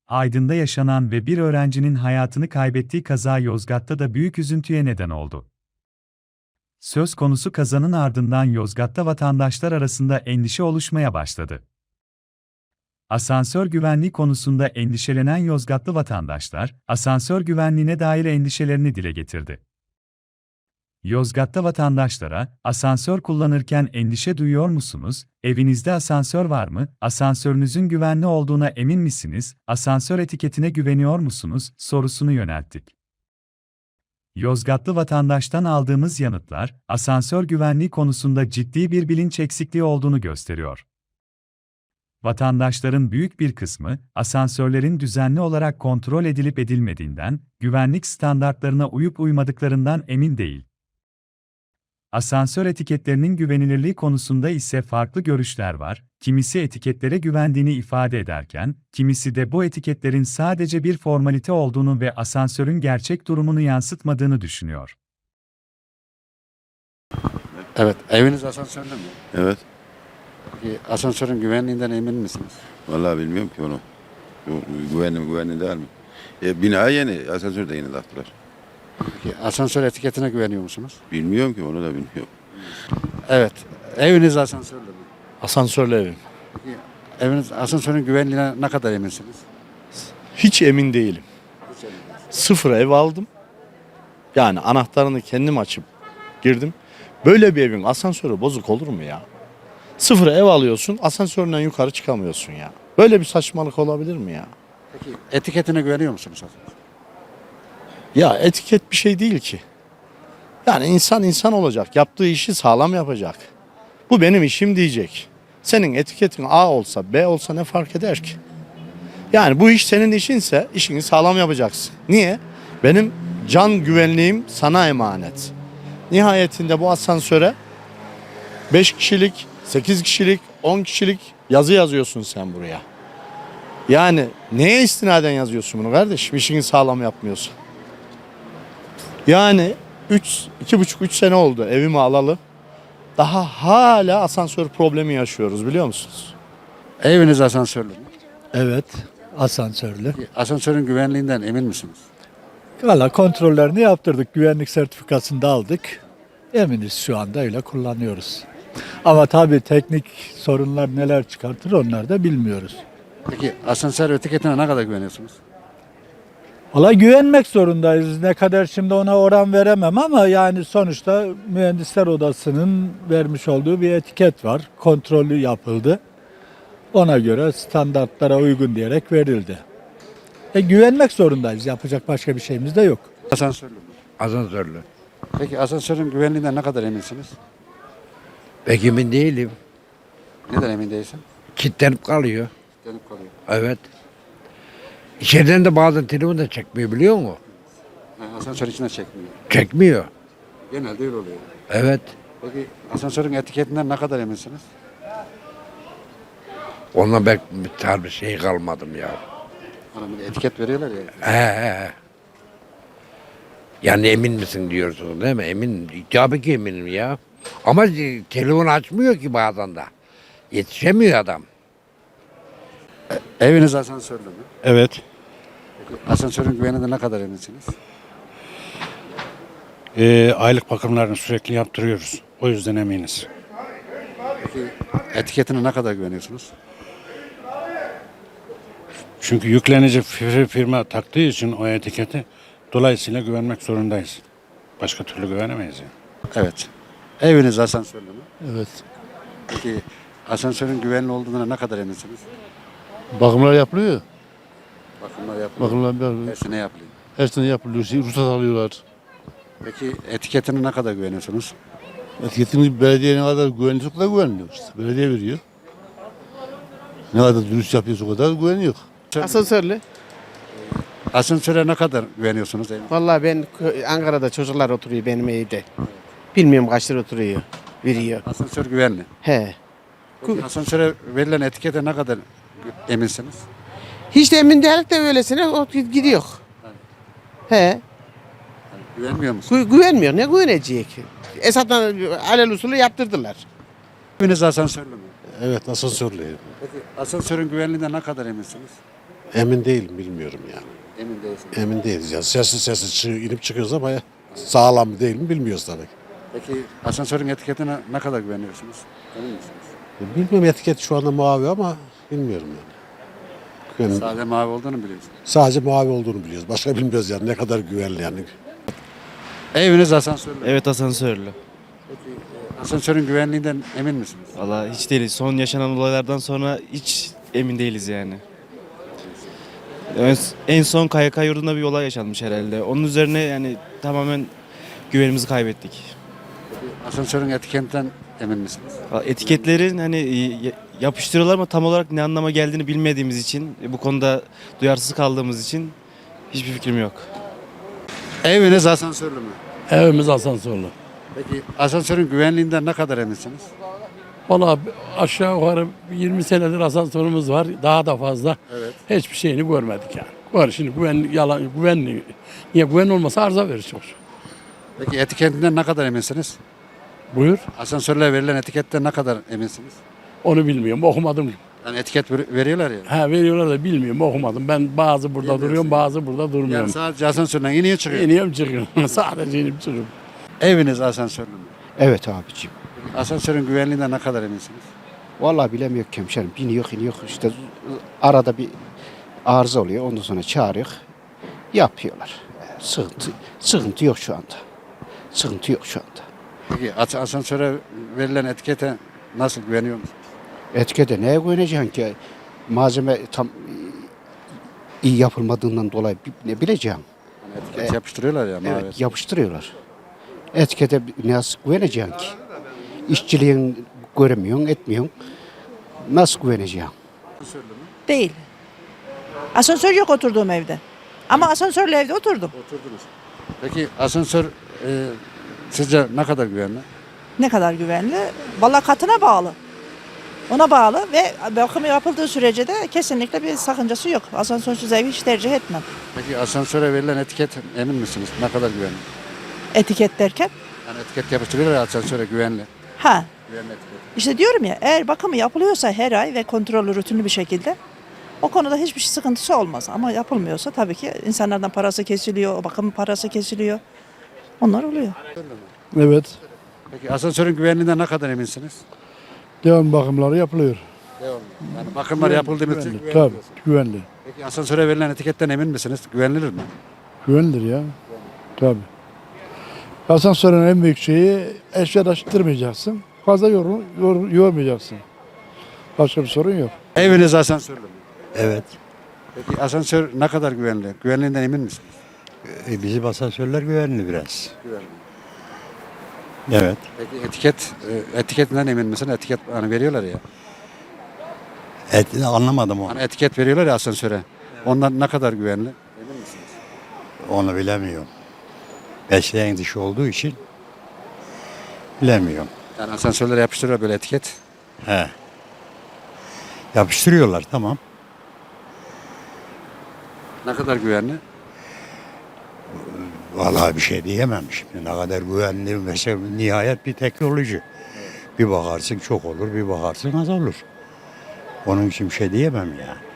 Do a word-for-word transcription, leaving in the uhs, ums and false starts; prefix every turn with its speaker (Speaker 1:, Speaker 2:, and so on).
Speaker 1: Aydın'da yaşanan ve bir öğrencinin hayatını kaybettiği kaza Yozgat'ta da büyük üzüntüye neden oldu. Söz konusu kazanın ardından Yozgat'ta vatandaşlar arasında endişe oluşmaya başladı. Asansör güvenliği konusunda endişelenen Yozgatlı vatandaşlar, asansör güvenliğine dair endişelerini dile getirdi. Yozgat'ta vatandaşlara, asansör kullanırken endişe duyuyor musunuz? Evinizde asansör var mı? Asansörünüzün güvenli olduğuna emin misiniz? Asansör etiketine güveniyor musunuz? Sorusunu yönelttik. Yozgatlı vatandaştan aldığımız yanıtlar, asansör güvenliği konusunda ciddi bir bilinç eksikliği olduğunu gösteriyor. Vatandaşların büyük bir kısmı, asansörlerin düzenli olarak kontrol edilip edilmediğinden, güvenlik standartlarına uyup uymadıklarından emin değil. Asansör etiketlerinin güvenilirliği konusunda ise farklı görüşler var. Kimisi etiketlere güvendiğini ifade ederken, kimisi de bu etiketlerin sadece bir formalite olduğunu ve asansörün gerçek durumunu yansıtmadığını düşünüyor.
Speaker 2: Evet, eviniz asansörlü mü?
Speaker 3: Evet.
Speaker 2: Peki asansörün güvenliğinden emin misiniz?
Speaker 3: Vallahi bilmiyorum ki onu. Bu güvenli mi güvenli değil mi? E, bina yeni, asansör de yeni taktılar.
Speaker 2: Peki asansör etiketine güveniyor musunuz?
Speaker 3: Bilmiyorum ki, onu da bilmiyorum.
Speaker 2: Evet, eviniz asansörlü mü?
Speaker 4: Asansörlü evim.
Speaker 2: Peki eviniz asansörün güvenliğine ne kadar eminsiniz?
Speaker 4: Hiç emin değilim.
Speaker 2: Hiç emin değilsiniz.
Speaker 4: Sıfır ev aldım. Yani anahtarını kendim açıp girdim. Böyle bir evin asansörü bozuk olur mu ya? Sıfır ev alıyorsun, asansöründen yukarı çıkamıyorsun ya. Böyle bir saçmalık olabilir mi ya?
Speaker 2: Peki etiketine güveniyor musunuz asansör?
Speaker 4: Ya etiket bir şey değil ki. Yani insan insan olacak, yaptığı işi sağlam yapacak. Bu benim işim diyecek. Senin etiketin A olsa, B olsa ne fark eder ki? Yani bu iş senin işinse işini sağlam yapacaksın. Niye? Benim can güvenliğim sana emanet. Nihayetinde bu asansöre beş kişilik, sekiz kişilik, on kişilik yazı yazıyorsun sen buraya. Yani neye istinaden yazıyorsun bunu kardeşim? İşini sağlam yapmıyorsun. Yani üç, iki buçuk üç sene oldu evimi alalı. Daha hala asansör problemi yaşıyoruz, biliyor musunuz?
Speaker 2: Eviniz asansörlü mü?
Speaker 5: Evet, asansörlü.
Speaker 2: Peki asansörün güvenliğinden emin misiniz?
Speaker 5: Valla kontrollerini yaptırdık, güvenlik sertifikasını da aldık. Eminiz, şu anda öyle kullanıyoruz. Ama tabii teknik sorunlar neler çıkartır onları da bilmiyoruz.
Speaker 2: Peki asansör etiketine ne kadar güveniyorsunuz?
Speaker 5: Valla güvenmek zorundayız. Ne kadar şimdi ona oran veremem ama yani sonuçta Mühendisler Odası'nın vermiş olduğu bir etiket var. Kontrolü yapıldı. Ona göre standartlara uygun diyerek verildi. E, güvenmek zorundayız. Yapacak başka bir şeyimiz de yok.
Speaker 2: Asansörlü mü?
Speaker 6: Asansörlü.
Speaker 2: Peki asansörün güvenliğinden ne kadar eminsiniz?
Speaker 6: Pek emin değilim.
Speaker 2: Neden emin değilsin?
Speaker 6: Kilitlenip kalıyor.
Speaker 2: Dönüp kalıyor.
Speaker 6: Evet. İçeriden de bazen telefon da çekmiyor, biliyor musun?
Speaker 2: Yani asansör içine çekmiyor.
Speaker 6: Çekmiyor.
Speaker 2: Genelde öyle oluyor.
Speaker 6: Evet.
Speaker 2: Peki asansörün etiketinden ne kadar eminsiniz?
Speaker 6: Onunla ben bir tarz şey kalmadım ya.
Speaker 2: Hani bir de etiket veriyorlar ya.
Speaker 6: He he he. Yani emin misin diyorsun değil mi? Emin. Tabii ki eminim ya. Ama e, telefon açmıyor ki bazen de. Yetişemiyor adam.
Speaker 2: Eviniz asansörlü mü?
Speaker 7: Evet.
Speaker 2: Peki asansörün güvenliğinden ne kadar eminsiniz?
Speaker 7: Ee, aylık bakımlarını sürekli yaptırıyoruz. O yüzden eminiz.
Speaker 2: Peki etiketine ne kadar güveniyorsunuz?
Speaker 7: Çünkü yüklenici fir- firma taktığı için o etiketi, dolayısıyla güvenmek zorundayız. Başka türlü güvenemeyiz yani.
Speaker 2: Evet. Eviniz asansörlü mü?
Speaker 4: Evet.
Speaker 2: Peki asansörün güvenli olduğuna ne kadar eminsiniz?
Speaker 4: Bakımlar yapılıyor.
Speaker 2: Bakımlar yapılıyor.
Speaker 4: Bakımlar
Speaker 2: Her
Speaker 4: yapılıyor.
Speaker 2: sene yapılıyor.
Speaker 4: Her sene yapılıyor. Şey, ruhsat alıyorlar.
Speaker 2: Peki etiketine ne kadar güveniyorsunuz?
Speaker 4: Etiketimiz belediyenin kadar güvenli çok da güvenmiyor işte. Belediye veriyor. Ne kadar dürüst yapıyorsa o kadar güveniyor.
Speaker 8: Asansörlü.
Speaker 2: Asansöre ne kadar güveniyorsunuz? Eviniz?
Speaker 8: Vallahi ben kö- Ankara'da çocuklar oturuyor benim evde. Bilmiyorum kaç lira oturuyor. Veriyor.
Speaker 2: Asansör güvenli.
Speaker 8: He.
Speaker 2: Peki asansöre verilen etikete ne kadar gü- eminsiniz?
Speaker 8: Hiç de emin değilik de öylesine o gidiyor. He.
Speaker 2: Güvenmiyor musunuz?
Speaker 8: Gü- güvenmiyor. Ne güvenecek? Esat'tan alel usulü yaptırdılar.
Speaker 2: Eviniz asansörlü mü?
Speaker 4: Evet, asansörlü.
Speaker 2: Peki asansörün güvenliğinden ne kadar eminsiniz?
Speaker 9: Emin değilim, bilmiyorum yani.
Speaker 2: Emin değilsin.
Speaker 9: Emin değiliz ya. Sessiz sessiz çı- inip çıkıyoruz ama ya, sağlam mı değil mi bilmiyoruz tabii.
Speaker 2: Peki asansörün etiketine ne kadar güveniyorsunuz? Emin misiniz?
Speaker 9: E, Bilmiyorum, etiket şu anda mavi ama bilmiyorum yani. Yani
Speaker 2: Sade mavi olduğunu biliyorsunuz.
Speaker 9: sadece mavi olduğunu biliyoruz. Başka bilmiyoruz yani ne kadar güvenli yani.
Speaker 2: Eviniz asansörlü.
Speaker 10: Evet, asansörlü.
Speaker 2: Peki e, asansörün güvenliğinden emin misiniz?
Speaker 10: Valla hiç değiliz. Son yaşanan olaylardan sonra hiç emin değiliz yani. En- En son K Y K yurdunda bir olay yaşanmış herhalde. Onun üzerine yani tamamen güvenimizi kaybettik.
Speaker 2: Asansörün etiketinden emin misiniz?
Speaker 10: Valla etiketlerin hani y- yapıştırıyorlar ama tam olarak ne anlama geldiğini bilmediğimiz için, bu konuda duyarsız kaldığımız için hiçbir fikrim yok.
Speaker 2: Eviniz asansörlü mü?
Speaker 11: Evimiz asansörlü.
Speaker 2: Peki asansörün güvenliğinden ne kadar eminsiniz?
Speaker 11: Valla aşağı yukarı yirmi senedir asansörümüz var. Daha da fazla.
Speaker 2: Evet.
Speaker 11: Hiçbir şeyini görmedik yani. Var şimdi güven, yalan, güvenli. Niye güven olmasa arıza verir çok.
Speaker 2: Peki etiketinden ne kadar eminsiniz?
Speaker 11: Buyur.
Speaker 2: Asansörle verilen etiketten ne kadar eminsiniz?
Speaker 11: Onu bilmiyorum. Okumadım.
Speaker 2: Yani etiket ver- veriyorlar ya.
Speaker 11: Ha veriyorlar da bilmiyorum. Okumadım. Ben bazı burada
Speaker 2: Bilmiyorsun.
Speaker 11: duruyorum, bazı burada durmuyorum.
Speaker 2: Yani sadece asansörden iniyor çıkıyor.
Speaker 11: İniyorum çıkıyorum. Sadece inip çıkıyorum.
Speaker 2: Eviniz asansörlü mü?
Speaker 8: Evet abicim.
Speaker 2: Peki asansörün güvenliğinden ne kadar eminsiniz?
Speaker 8: Vallahi bilemiyor ki hemşerim. Biniyor iniyor işte arada bir arıza oluyor. Ondan sonra çağırıyor. Yapıyorlar. Sıkıntı, sıkıntı yok şu anda. Sıkıntı yok şu anda.
Speaker 2: Peki as- asansöre verilen etikete nasıl güveniyor musunuz?
Speaker 8: Etikete neye güveneceksin ki? Malzeme tam iyi yapılmadığından dolayı bi- ne bileceğim.
Speaker 2: Hani etiket yapıştırıyorlar ya. mavi.
Speaker 8: Evet, yapıştırıyorlar. Etikete nasıl güveneceksin ki? İşçiliğin göremiyorsun, etmiyorsun. Nasıl güveneceksin?
Speaker 12: Değil. Asansör yok oturduğum evde. Ama asansörlü evde oturdum.
Speaker 2: Oturdunuz. Peki asansör e, sizce ne kadar güvenli?
Speaker 12: Ne kadar güvenli? Vallahi katına bağlı. Ona bağlı ve bakımı yapıldığı sürece de kesinlikle bir sakıncası yok. Asansörsüz evi hiç tercih etmem.
Speaker 2: Peki asansöre verilen etiket emin misiniz? Ne kadar güvenli?
Speaker 12: Etiket derken.
Speaker 2: Yani etiket yapıştırıyorlar ya asansöre güvenli.
Speaker 12: Ha,
Speaker 2: Güvenli etiket.
Speaker 12: işte diyorum ya, eğer bakımı yapılıyorsa her ay ve kontrollü rutinli bir şekilde o konuda hiçbir sıkıntısı olmaz. Ama yapılmıyorsa tabii ki insanlardan parası kesiliyor, o bakım parası kesiliyor. Onlar oluyor.
Speaker 11: Evet.
Speaker 2: Peki asansörün güvenliğinden ne kadar eminsiniz?
Speaker 11: Devam bakımları yapılıyor.
Speaker 2: Devamlı. Yani bakımlar yapıldığı müddetçe
Speaker 11: Güvenli.
Speaker 2: güvenli.
Speaker 11: Tabii güvenli.
Speaker 2: Peki asansöre verilen etiketten emin misiniz? Güvenilir mi?
Speaker 11: Güvenilir ya. Tabii. Asansörün en büyük şeyi eşya taşıtırmayacaksın. Fazla yor, yor, yormayacaksın. Başka bir sorun yok.
Speaker 2: Eviniz asansörlü mü?
Speaker 13: Evet.
Speaker 2: Peki asansör ne kadar güvenli? Güvenliğinden emin misiniz?
Speaker 13: E, bizim asansörler güvenli biraz.
Speaker 2: Güvenli.
Speaker 13: Evet.
Speaker 2: Peki etiket, e, etiketinden emin misin? Etiket hani veriyorlar ya.
Speaker 13: Et, anlamadım onu.
Speaker 2: Hani etiket veriyorlar ya asansöre. Ondan ne kadar güvenli? Emin misiniz?
Speaker 13: Onu bilemiyorum. Mesleğin dışı olduğu için bilemiyorum.
Speaker 2: Yani asansörlere yapıştırıyor böyle etiket.
Speaker 13: He. Yapıştırıyorlar, tamam.
Speaker 2: Ne kadar güvenli?
Speaker 13: Vallahi bir şey diyemem şimdi. Ne kadar güvenli, mesela nihayet bir teknoloji. Bir bakarsın çok olur, bir bakarsın az olur. Onun için bir şey diyemem yani.